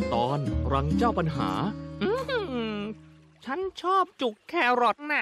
ตอนรังเจ้าปัญหาฉันชอบจุกแครอทน่ะ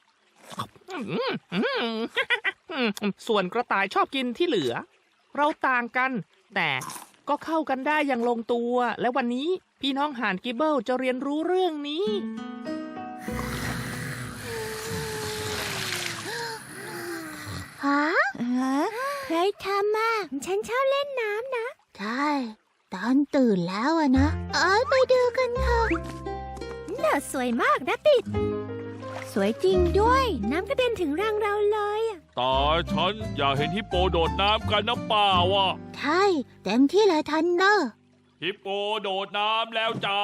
ส่วนกระต่ายชอบกินที่เหลือเราต่างกันแต่ก็เข้ากันได้อย่างลงตัวและวันนี้พี่น้องห่านกิบเบิลจะเรียนรู้เรื่องนี้ฮะใครทำอ่ะฉันชอบเล่นน้ำนะใช่ตอนตื่นแล้วอะนะไปดูกันเถอะน่าสวยมากนะปิดสวยจริงด้วยน้ำกระเด็นถึงรังเราเลยตาฉันอยากเห็นฮิปโปโดดน้ำกันนะเปล่าวะใช่เต็มที่เลยทันเนอร์ฮิปโปโดดน้ำแล้วจ้า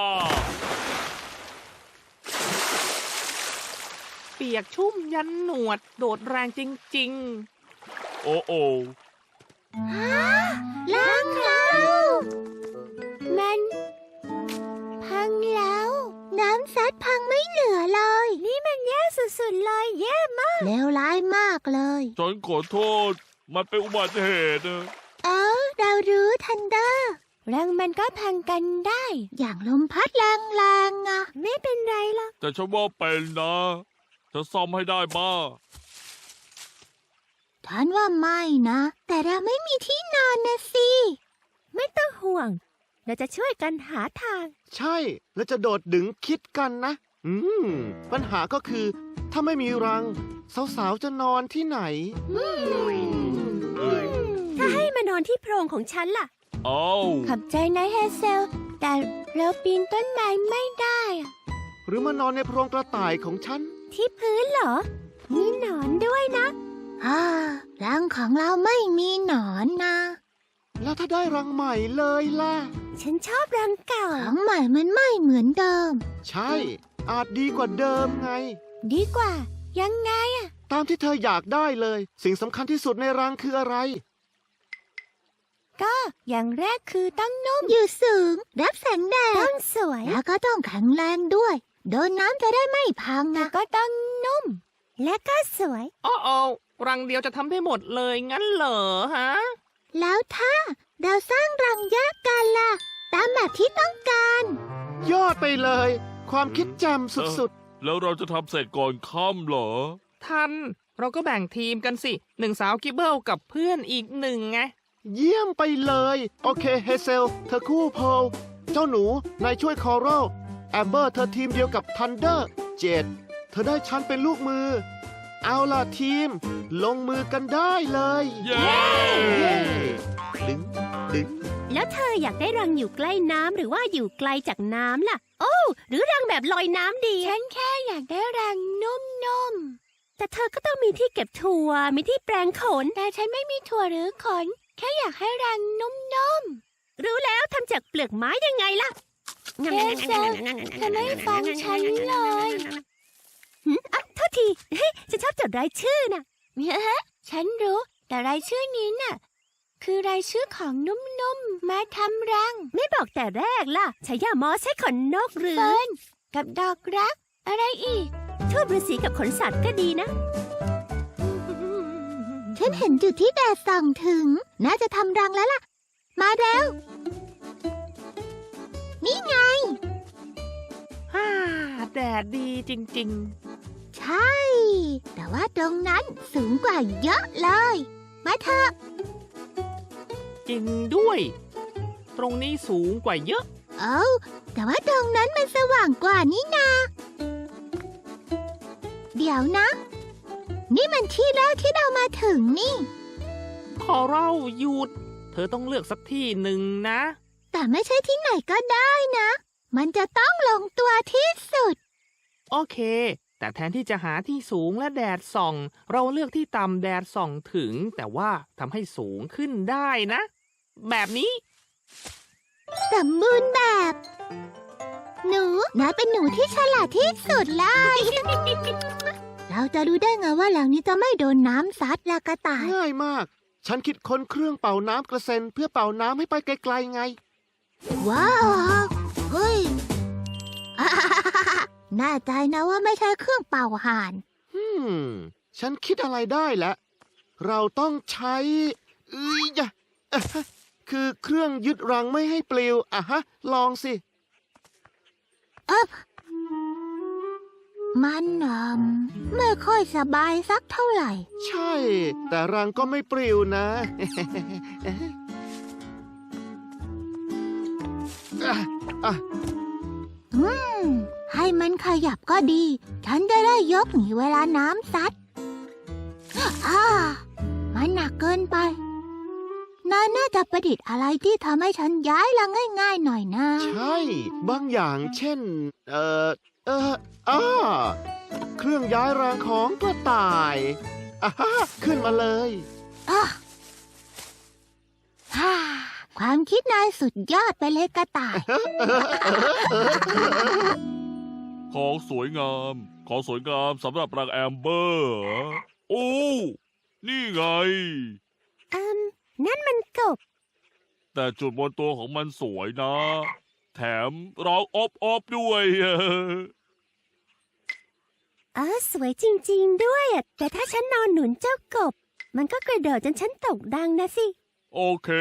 เปียกชุ่มยันหนวดโดดแรงจริงโอ้โอ้รังเรามันพังแล้วน้ำซัดพังไม่เหลือเลยนี่มันแย่สุดๆเลยแย่มากเลวร้ายมากเลยฉันขอโทษมันเป็นอุบัติเหตุเรารู้ทันเดอร์รังมันก็พังกันได้อย่างลมพัดแรงๆอะไม่เป็นไรหรอกแต่ฉันว่าเป็นนะจะซ่อมให้ได้บ้าฉันว่าไม่นะแต่เราไม่มีที่นอนนะสิไม่ต้องห่วงเราจะช่วยกันหาทางใช่แล้วจะโดดดึงคิดกันนะปัญหาก็คือถ้าไม่มีรังสาวๆจะนอนที่ไหนถ้าให้มานอนที่โพรงของฉันล่ะขอบใจนะเฮเซลแต่เราปีนต้นไม้ไม่ได้หรือมานอนในโพรงกระต่ายของฉันที่พื้นเหรอมีหนอนด้วยนะรังของเราไม่มีหนอนนะแล้วถ้าได้รังใหม่เลยล่ะฉันชอบรังเก่ารังใหม่มันไม่เหมือนเดิมใช่อาจดีกว่าเดิมไงดีกว่ายังไงตามที่เธออยากได้เลยสิ่งสำคัญที่สุดในรังคืออะไรก็อย่างแรกคือต้องนุ่มอยู่สูงรับแสงแดดต้องสวยแล้วก็ต้องแข็งแรงด้วยโดนน้ำจะได้ไม่พังนะก็ต้องนุ่มและก็สวยรังเดียวจะทำได้หมดเลยงั้นเหรอฮะแล้วถ้าเราสร้างรังแยกกันล่ะตามแบบที่ต้องการยอดไปเลยความคิดแจ่มสุดๆแล้วเราจะทำเสร็จก่อนค่ำเหรอทันเราก็แบ่งทีมกันสิ1สาวกิบเบิลกับเพื่อนอีก1ไงเยี่ยมไปเลยโอเคเฮเซลเธอคู่โพลเจ้าหนูนายช่วยคอรัลแอมเบอร์เธอทีมเดียวกับทันเดอร์เจดเธอได้ฉันเป็นลูกมือเอาล่ะทีมลงมือกันได้เลยเย้ดึงแล้วเธออยากได้รังอยู่ใกล้น้ำหรือว่าอยู่ไกลจากน้ำล่ะหรือรังแบบลอยน้ำดีฉันแค่อยากได้รังนุ่มๆแต่เธอก็ต้องมีที่เก็บถั่วมีที่แปรงขนแต่ฉันไม่มีถั่วหรือขนแค่อยากให้รังนุ่มๆรู้แล้วทำจากเปลือกไม้ยังไงล่ะเฮเซลเธอไม่ฟังฉันเลยโทษทีฉันชอบจดรายชื่อน่ะฉันรู้แต่รายชื่อนี้น่ะคือรายชื่อของนุ่มๆมาทำรังไม่บอกแต่แรกล่ะใช้ยามอใช้ขนนกหรือเฟิร์นกับดอกรักอะไรอีกทูบฤาษีกับขนสัตว์ก็ดีนะฉันเห็นจุดที่แดดส่องถึงน่าจะทำรังแล้วล่ะมาเร็วนี่ไงแดดดีจริงๆใช่แต่ว่าตรงนั้นสูงกว่าเยอะเลยมาเถอะจริงด้วยตรงนี้สูงกว่าเยอะแต่ว่าตรงนั้นมันสว่างกว่านี่นาเดี๋ยวนะนี่มันที่แรกที่เรามาถึงนี่คอรัลหยุดเธอต้องเลือกสักที่หนึ่งนะแต่ไม่ใช่ที่ไหนก็ได้นะมันจะต้องลงตัวที่สุดโอเคแต่แทนที่จะหาที่สูงและแดดส่องเราเลือกที่ต่ำแดดส่องถึงแต่ว่าทำให้สูงขึ้นได้นะแบบนี้สมบูรณ์แบบหนูนายเป็นหนูที่ฉลาดที่สุดเลย เราจะรู้ได้ไงว่าหลังนี้จะไม่โดนน้ำซัดละกระต่ายง่ายมากฉันคิดค้นเครื่องเป่าน้ำกระเซ็นเพื่อเป่าน้ำให้ไปไกลๆไงว้าวเฮ้ยแน่ใจนะว่าไม่ใช่เครื่องเป่าห่านฉันคิดอะไรได้แล้วเราต้องใช้คือเครื่องยึดรังไม่ให้ปลิวลองสิมันไม่ค่อยสบายสักเท่าไหร่ใช่ แต่รังก็ไม่ปลิวนะให้มันขยับก็ดี ฉันจะได้ยกหนีเวลาน้ำซัดมันหนักเกินไปนายน่าจะประดิษฐ์อะไรที่ทำให้ฉันย้ายรังง่ายๆหน่อยนะใช่ บางอย่างเช่น เครื่องย้ายรังของกระต่ายขึ้นมาเลยความคิดนายสุดยอดไปเลยกระต่ายของสวยงามสำหรับรังแอมเบอร์เหรอโอ้นี่ไงนั่นมันกบแต่จุดบนตัวของมันสวยนะ แถมร้องอบด้วยสวยจริงๆด้วยแต่ถ้าฉันนอนหนุนเจ้ากบ มันก็กระโดดจนฉันตกดังนะสิโอเค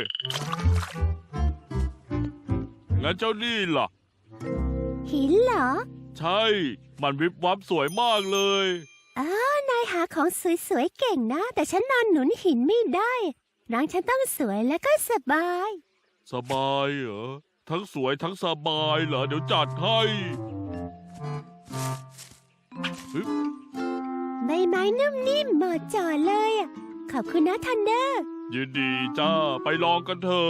งั้นเจ้านี่ล่ะหินเหรอใช่ มันวิบวับสวยมากเลยนายหาของสวยๆเก่งนะ แต่ฉันนอนหนุนหินไม่ได้รังฉันต้องสวยและก็สบายสบายเหรอ ทั้งสวยทั้งสบายเหรอ เดี๋ยวจัดให้ใบไม้นุ่มนิ่มเหมาะเจาะเลยขอบคุณนะทันเดอร์ยินดีจ้า ไปลองกันเถอะ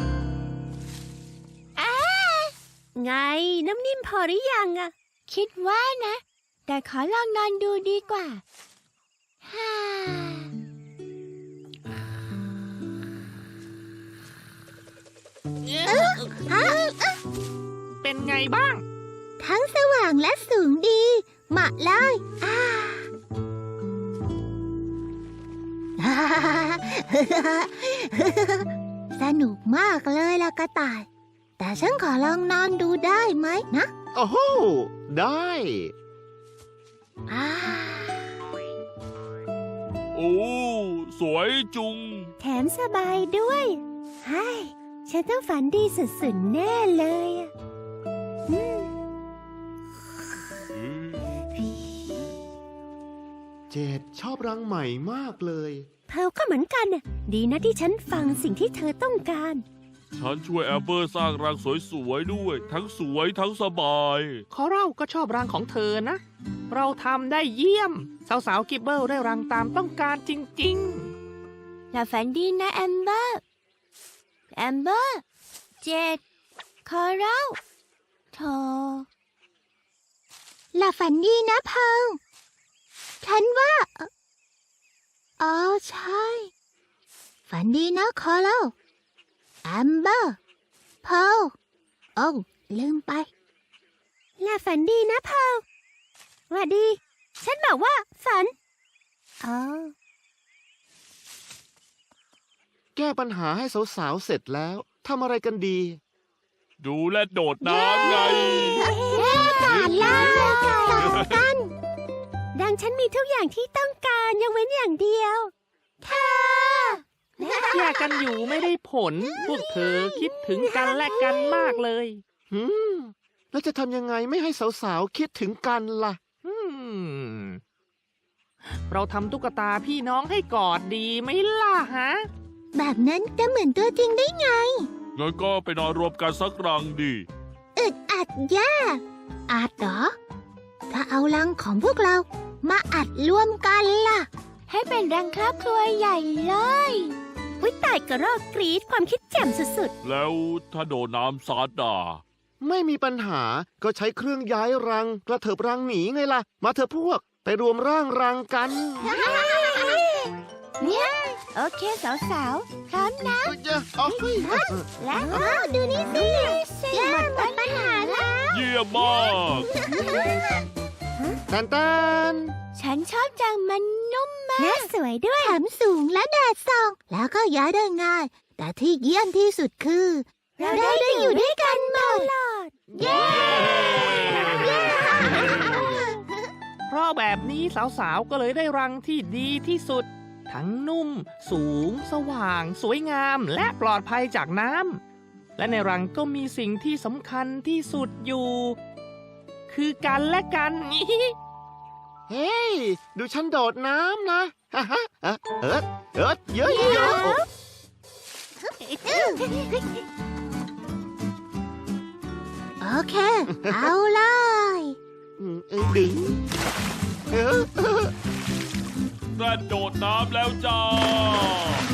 ไงน้ำนิ่มพอหรือยังคิดว่านะ แต่ขอลองนอนดูดีกว่าเป็นไงบ้างทั้งสว่างและสูงดีเหมาะเลย สนุกมากเลยล่ะกระต่าย แต่ฉันขอลองนอนดูได้ไหมนะโอ้โห ได้โอ้ สวยจุงแถมสบายด้วยฉันต้องฝันดีสุดๆแน่เลยเจดชอบรังใหม่มากเลยเธอก็เหมือนกันดีนะที่ฉันฟังสิ่งที่เธอต้องการฉันช่วยแอมเบอร์สร้างรังสวยๆด้วย ทั้งสวยทั้งสบายคอรัลก็ชอบรังของเธอนะ เราทำได้เยี่ยม สาวๆกิบเบิลได้รังตามต้องการจริงๆหลับฝันดีนะแอมเบอร์ เจดคอรัลโธหลับฝันดีนะเพิงฉันว่าใช่ ฝันดีนะคอรัลแอมเบอร์เพิงลืมไปหลับฝันดีนะเพิงว่าดี ฉันบอกว่าฝันแก้ปัญหาให้สาวๆเสร็จแล้วทำอะไรกันดีดูและโดดน้ำไงผ่านแล้วกัน ดังฉันมีทุกอย่างที่ต้องการยกเว้นอย่างเดียวเธอแยกกันอยู่ไม่ได้ผล พวกเธอคิดถึงกันและกันมากเลยแล้วจะทำยังไงไม่ให้สาวๆคิดถึงกันล่ะเราทำตุ๊กตาพี่น้องให้กอดดีไหมล่ะฮะแบบนั้นจะเหมือนตัวจริงได้ไงงั้นก็ไปนอนรวมกันสักรังดิอึดอัดแย่อาจเหรอ ถ้าเอารังของพวกเรามาอัดรวมกันล่ะ ให้เป็นรังครอบครัวใหญ่เลยวิตายกระรอกกรีดความคิดแจ่มสุดแล้วถ้าโดนน้ำซัดไม่มีปัญหาก็ใช้เครื่องย้ายรังกระเถิบรังหนีไงล่ะ มาเถอะพวกไปรวมร่างรังกันเนี่ยโอเคสาวๆพร้อมนะ และดูนี่สิหมดปัญหาแล้วเยี่ยมมากแตนฉันชอบจังมันนุ่มมากและสวยด้วยแถมสูงและแดดส่อง แล้วก็ย้ายได้ง่าย แต่ที่เยี่ยมที่สุดคือ เราได้อยู่ด้วยกันตลอด เย้เพราะแบบนี้สาวๆก็เลยได้รังที่ดีที่สุด ทั้งนุ่ม สูง สว่าง สวยงาม และปลอดภัยจากน้ำและในรังก็มีสิ่งที่สำคัญที่สุดอยู่คือกันและกันเฮ้ย ดูฉันโดดน้ำนะฮ่าฮ่าเยอะโอเค เอาเลยดึงแกรนโดดน้ำแล้วจ้า